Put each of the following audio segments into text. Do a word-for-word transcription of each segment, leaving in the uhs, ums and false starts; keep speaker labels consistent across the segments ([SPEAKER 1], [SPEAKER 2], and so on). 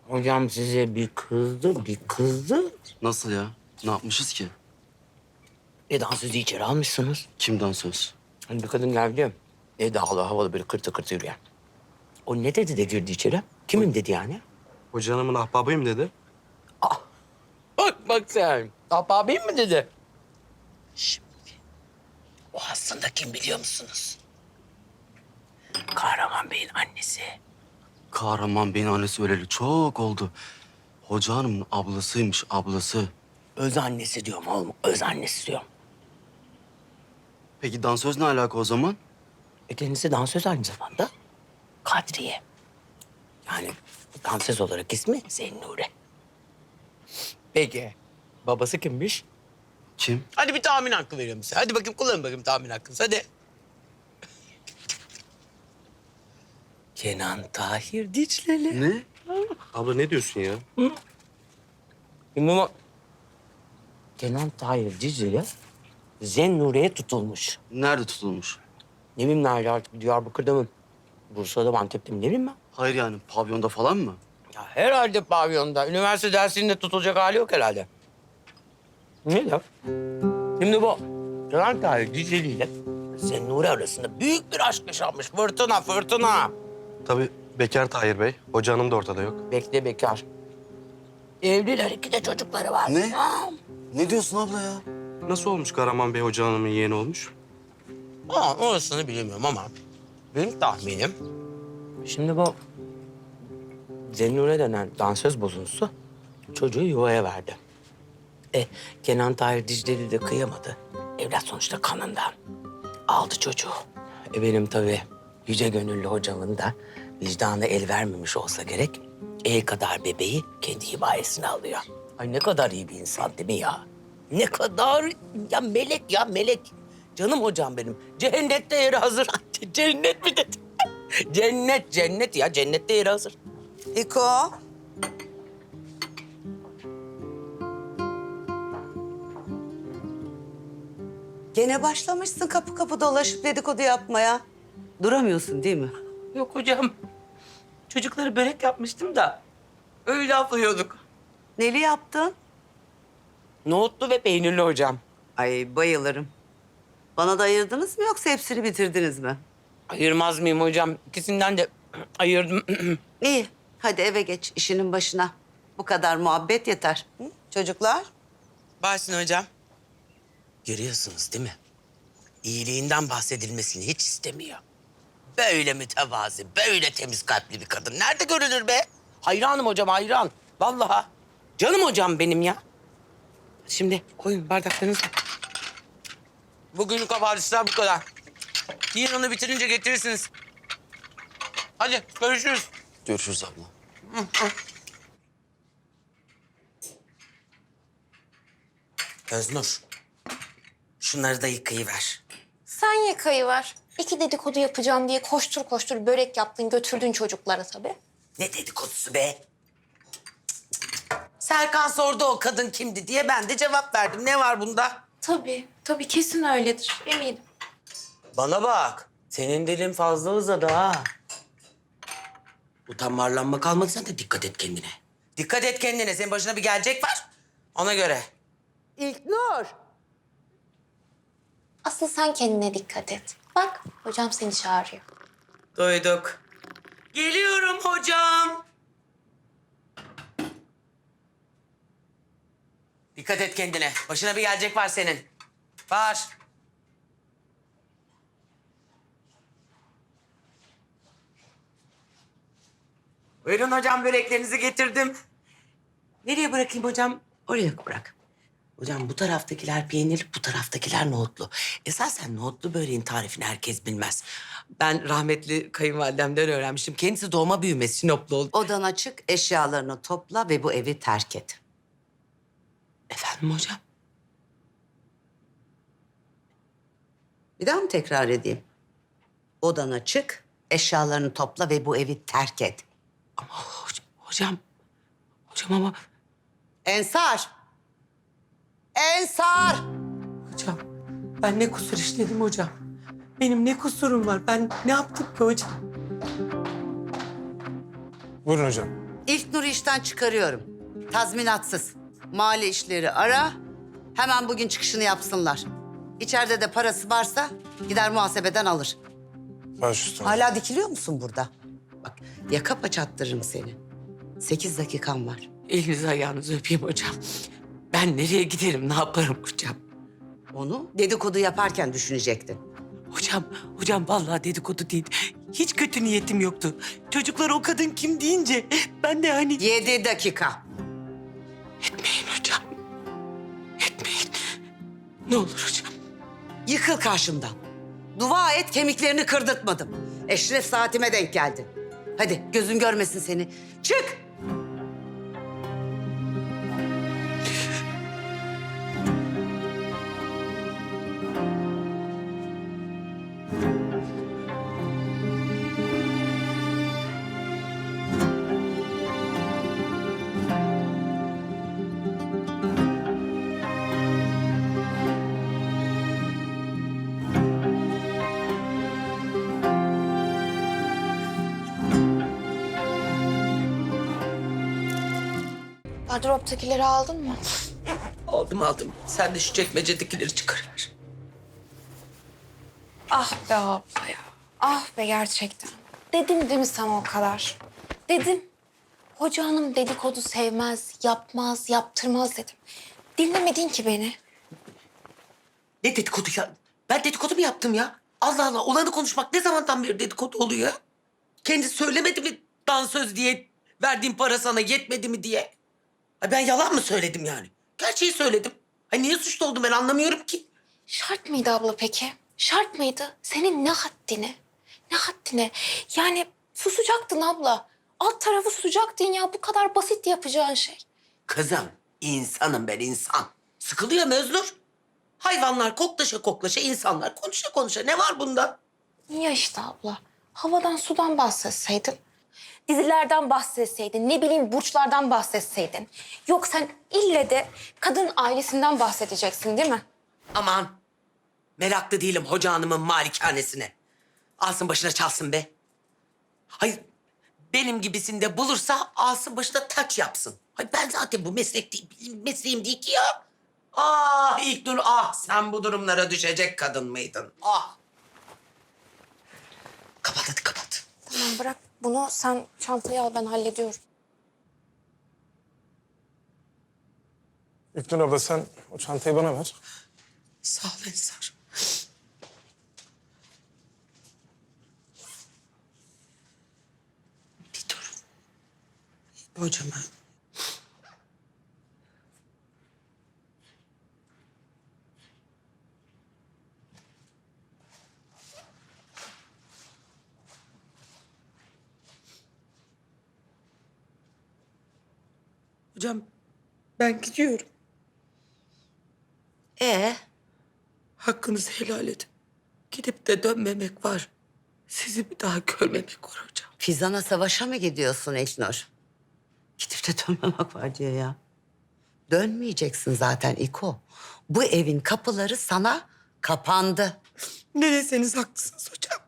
[SPEAKER 1] Hocam size bir kızdı, bir kızdı.
[SPEAKER 2] Nasıl ya? Ne yapmışız ki?
[SPEAKER 1] E dansözü içeri almışsınız.
[SPEAKER 2] Kim dansöz?
[SPEAKER 1] Hani bir kadın geldi. E havalı havalı böyle kırtı kırtı yürüyen. O ne dedi de girdi içeri? Kimin dedi yani?
[SPEAKER 3] Hoca hanımın ahbabıyım dedi.
[SPEAKER 1] Bak bak sen. Ahbabim mi dedi? Şimdi o aslında kim biliyor musunuz? Kahraman Bey'in annesi.
[SPEAKER 2] Kahraman Bey'in annesi öleli çok oldu. Hoca hanımın ablasıymış, ablası.
[SPEAKER 1] Öz annesi diyorum oğlum. Öz annesi diyorum.
[SPEAKER 2] Peki dansöz ne alaka o zaman?
[SPEAKER 1] E kendisi dansöz aynı zamanda. Kadriye. Yani dansöz olarak ismi Zennure. Peki babası kimmiş?
[SPEAKER 2] Kim?
[SPEAKER 1] Hadi bir tahmin hakkı veriyorum size. Hadi bakayım kullanın bakayım tahmin hakkınızı hadi. Kenan Tahir Dicleli.
[SPEAKER 2] Ne?
[SPEAKER 3] Abla ne diyorsun ya?
[SPEAKER 1] Şimdi ama Kenan Tahir Dicleli Zennure'ye tutulmuş.
[SPEAKER 2] Nerede tutulmuş?
[SPEAKER 1] Ne bileyim nerede artık Diyarbakır'da mı? Bursa'da mı Antep'te mi ne bileyim ben.
[SPEAKER 2] Hayır yani pavyonda falan mı?
[SPEAKER 1] Ya herhalde pavyonda. Üniversite dersinde tutulacak hali yok herhalde. Ne laf? Şimdi bu Kenan Tahir Dicleli ile Zennure arasında büyük bir aşk yaşanmış. Fırtına, fırtına.
[SPEAKER 3] Tabii bekar Tahir Bey. Hoca hanım da ortada yok.
[SPEAKER 1] Bekle bekar. Evliler, iki de çocukları var.
[SPEAKER 2] Ne?
[SPEAKER 1] Ha.
[SPEAKER 2] Ne diyorsun abla ya?
[SPEAKER 3] Nasıl olmuş Kahraman Bey hoca hanımın yeğeni olmuş?
[SPEAKER 1] Aa, orasını bilemiyorum ama benim tahminim... Şimdi bu Zennure denen dansöz bozuntusu çocuğu yuvaya verdi. E, Kenan Tahir Dicleli de kıyamadı. Evlat sonuçta kanından. Aldı çocuğu. E benim tabii yüce gönüllü hocamın da vicdanı el vermemiş olsa gerek... el kadar bebeği kendi himayesine alıyor. Ay ne kadar iyi bir insan değil mi ya? Ne kadar ya melek ya melek. Canım hocam benim. Cennette yeri hazır. Cennet mi dedi? Cennet, cennet ya. Cennette yeri hazır.
[SPEAKER 4] İko. Gene başlamışsın kapı kapı dolaşıp dedikodu yapmaya. Duramıyorsun değil mi?
[SPEAKER 1] Yok hocam. Çocukları börek yapmıştım da öyle aflıyorduk.
[SPEAKER 4] Neli yaptın?
[SPEAKER 1] Nohutlu ve peynirli hocam.
[SPEAKER 4] Ay bayılırım. Bana da ayırdınız mı yoksa hepsini bitirdiniz mi?
[SPEAKER 1] Ayırmaz mıyım hocam? İkisinden de ayırdım.
[SPEAKER 4] İyi. Hadi eve geç işinin başına. Bu kadar muhabbet yeter. Hı? Çocuklar?
[SPEAKER 1] Başsın hocam. Görüyorsunuz değil mi? İyiliğinden bahsedilmesini hiç istemiyor. Böyle mütevazi, böyle temiz kalpli bir kadın. Nerede görülür be? Hayranım hocam, hayran. Vallahi. Canım hocam benim ya. Şimdi koyun bardaklarınızı. Bugünlük havadisler bu kadar. Yiyin onu bitirince getirirsiniz. Hadi görüşürüz.
[SPEAKER 2] Görüşürüz abla.
[SPEAKER 1] Öznur, şunları da yıkayıver.
[SPEAKER 5] Sen yıkayıver. İki dedikodu yapacağım diye koştur koştur börek yaptın götürdün çocuklara tabii.
[SPEAKER 1] Ne dedikodusu be? Serkan sordu o kadın kimdi diye ben de cevap verdim. Ne var bunda?
[SPEAKER 5] Tabii, tabii kesin öyledir eminim.
[SPEAKER 1] Bana bak. Senin dilin fazla uzadı ha. Utanma arlanma kalmadı sen de dikkat et kendine. Dikkat et kendine. Senin başına bir gelecek var. Ona göre.
[SPEAKER 4] İlknur.
[SPEAKER 5] Asıl sen kendine dikkat et. Bak hocam seni çağırıyor.
[SPEAKER 1] Duyduk. Geliyorum hocam. Dikkat et kendine. Başına bir gelecek var senin. Var. Buyurun hocam böreklerinizi getirdim. Nereye bırakayım hocam? Oraya bırak. Hocam bu taraftakiler peynirli, bu taraftakiler nohutlu. Esasen nohutlu böreğin tarifini herkes bilmez. Ben rahmetli kayınvalidemden öğrenmiştim. Kendisi doğma büyüme Sinoplu oldu.
[SPEAKER 4] Odan açık, eşyalarını topla ve bu evi terk et.
[SPEAKER 1] Efendim hocam?
[SPEAKER 4] Bir daha mı tekrar edeyim? Odana çık, eşyalarını topla ve bu evi terk et.
[SPEAKER 1] Ama hocam, hocam, hocam ama...
[SPEAKER 4] Ensar! Ensar!
[SPEAKER 1] Hocam, ben ne kusur işledim hocam? Benim ne kusurum var? Ben ne yaptım ki hocam?
[SPEAKER 6] Buyurun hocam.
[SPEAKER 4] İlk Nur'u işten çıkarıyorum. Tazminatsız. Mali işleri ara. Hemen bugün çıkışını yapsınlar. İçeride de parası varsa gider muhasebeden alır.
[SPEAKER 6] Baş üstüne.
[SPEAKER 4] Hala dikiliyor musun burada? Bak yaka paça attırırım seni. Sekiz dakikan var.
[SPEAKER 7] Elinizi ayağınızı öpeyim hocam. Ben nereye giderim, ne yaparım hocam?
[SPEAKER 4] Onu dedikodu yaparken düşünecektin.
[SPEAKER 7] Hocam, hocam vallahi dedikodu değil. Hiç kötü niyetim yoktu. Çocuklar o kadın kim deyince ben de hani...
[SPEAKER 4] Yedi dakika.
[SPEAKER 7] Etmeyin hocam. Etmeyin. Ne olur hocam.
[SPEAKER 4] Yıkıl karşımdan. Dua et kemiklerini kırdırtmadım. Eşref saatime denk geldin. Hadi gözün görmesin seni. Çık!
[SPEAKER 5] Gardıroptakileri aldın mı?
[SPEAKER 7] Aldım aldım. Sen de şu çekmecedekileri çıkarır.
[SPEAKER 5] Ah be abla ya. Ah be gerçekten. Dedim değil mi sana o kadar? Dedim. Hoca hanım dedikodu sevmez, yapmaz, yaptırmaz dedim. Dinlemedin ki beni.
[SPEAKER 7] Ne dedikodu ya? Ben dedikodu mu yaptım ya? Allah Allah, olanı konuşmak ne zamandan beri dedikodu oluyor ya? Kendi söylemedi mi dansöz diye, verdiğim para sana yetmedi mi diye? Ay ben yalan mı söyledim yani? Gerçeği söyledim. Ay niye suçlu oldum ben anlamıyorum ki.
[SPEAKER 5] Şart mıydı abla peki? Şart mıydı? Senin ne haddine? Ne haddine? Yani susacaktın abla. Alt tarafı susacaktın ya. Bu kadar basit yapacağın şey.
[SPEAKER 7] Kızım, insanım ben insan. Sıkılıyor Möznur. Hayvanlar koklaşa koklaşa, insanlar konuşa konuşa. Ne var bunda?
[SPEAKER 5] Ya işte abla. Havadan sudan bahsetseydin. Dizilerden bahsetseydin. Ne bileyim burçlardan bahsetseydin. Yok sen ille de kadın ailesinden bahsedeceksin değil mi?
[SPEAKER 7] Aman, meraklı değilim hoca hanımın malikanesine. Alsın başına çalsın be. Hayır, benim gibisinde bulursa alsın başına taç yapsın. Hayır ben zaten bu meslek değil, benim mesleğim değil ki ya. Ah İlknur, ah sen bu durumlara düşecek kadın mıydın? Ah. Kapat hadi kapat.
[SPEAKER 5] Tamam bırak bunu sen çantayı al ben hallediyorum.
[SPEAKER 6] İlknur abla sen o çantayı bana ver.
[SPEAKER 7] Sağ ol Ensar. Bir dur. Hocama. Hocam ben gidiyorum.
[SPEAKER 4] Ee,
[SPEAKER 7] Hakkınızı helal edin. Gidip de dönmemek var. Sizi bir daha görmemek var hocam.
[SPEAKER 4] Fizan'a savaşa mı gidiyorsun İlknur? Gidip de dönmemek var diyor ya. Dönmeyeceksin zaten İko. Bu evin kapıları sana kapandı.
[SPEAKER 7] Ne deseniz haklısınız hocam.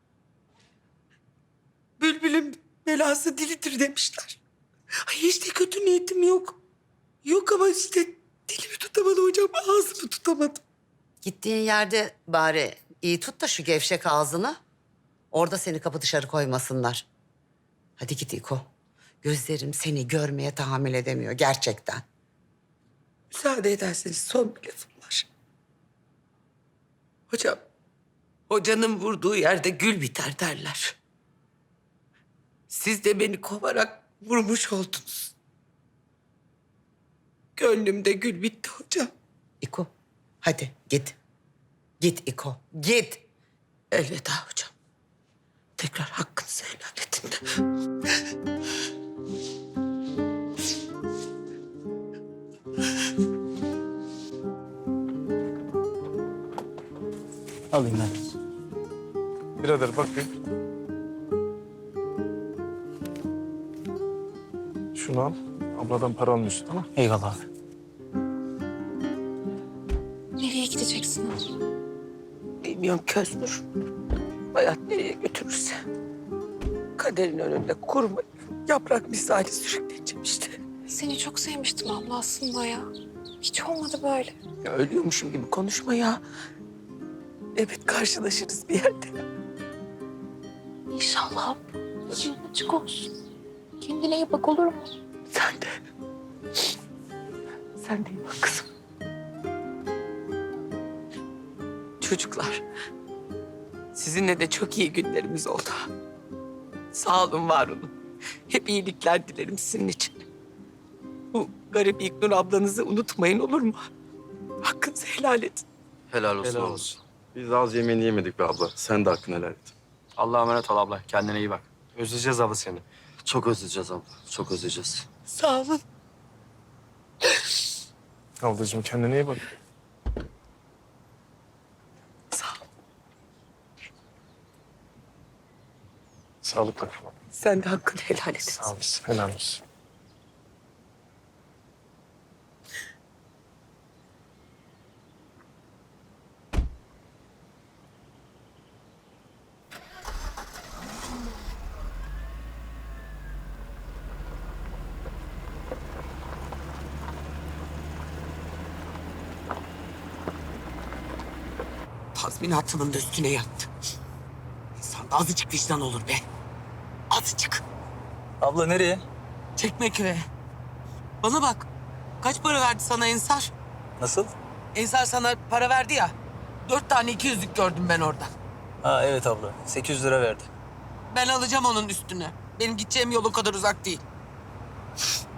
[SPEAKER 7] Bülbülün belası dilidir demişler. Ay hiç de kötü niyetim yok. Yok ama işte dilimi tutamadım hocam, ağzımı tutamadım.
[SPEAKER 4] Gittiğin yerde bari iyi tut da şu gevşek ağzını. Orada seni kapı dışarı koymasınlar. Hadi git İko. Gözlerim seni görmeye tahammül edemiyor gerçekten.
[SPEAKER 7] Müsaade ederseniz son bir lafım var. Hocam, hocanın vurduğu yerde gül biter derler. Siz de beni kovarak vurmuş oldunuz. Gönlümde gül bitti hocam.
[SPEAKER 4] İko hadi git. Git İko git.
[SPEAKER 7] Elveda hocam. Tekrar hakkınızı helal edin.
[SPEAKER 2] Alayım ben.
[SPEAKER 6] Birader bak bir. Şunu al. Abladan para almıyorsun tamam.
[SPEAKER 2] Eyvallah abi.
[SPEAKER 5] Nereye gideceksin abla?
[SPEAKER 7] Bilmiyorum Köznur. Hayat nereye götürürse. Kaderin önünde kurmayın. Yaprak misali sürükleneceğim işte.
[SPEAKER 5] Seni çok sevmiştim abla aslında ya. Hiç olmadı böyle.
[SPEAKER 7] Ya ölüyormuşum gibi konuşma ya. Evet karşılaşırız bir yerde.
[SPEAKER 5] İnşallah abla. Yolun açık olsun. Kendine iyi bak olur mu?
[SPEAKER 7] Sen de. Sen de iyi bak kızım. Çocuklar, sizinle de çok iyi günlerimiz oldu. Sağ olun, var olun. Hep iyilikler dilerim sizin için. Bu garip İlknur ablanızı unutmayın, olur mu? Hakkınızı helal edin.
[SPEAKER 2] Helal olsun.
[SPEAKER 3] Helal
[SPEAKER 2] abla.
[SPEAKER 3] olsun. Biz az yemeğini yemedik be abla. Sen de hakkını helal et.
[SPEAKER 8] Allah'a emanet ol abla. Kendine iyi bak.
[SPEAKER 3] Özleyeceğiz abla seni.
[SPEAKER 2] Çok özleyeceğiz abla. Çok özleyeceğiz.
[SPEAKER 7] Sağ olun.
[SPEAKER 6] Ablacığım kendine iyi bak.
[SPEAKER 7] Sağ ol.
[SPEAKER 6] Sağlıkla.
[SPEAKER 7] Sen de hakkını helal et.
[SPEAKER 6] Sağ olasın. Helal olsun.
[SPEAKER 7] Tazminatımın da üstüne yattı. İnsanda azıcık vicdan olur be. Azıcık.
[SPEAKER 8] Abla nereye?
[SPEAKER 7] Çekmeköy'e. Bana bak. Kaç para verdi sana Ensar?
[SPEAKER 8] Nasıl?
[SPEAKER 7] Ensar sana para verdi ya. Dört tane iki yüzlük gördüm ben orada.
[SPEAKER 8] Ha evet abla. sekiz yüz lira verdi.
[SPEAKER 7] Ben alacağım onun üstüne. Benim gideceğim yol o kadar uzak değil.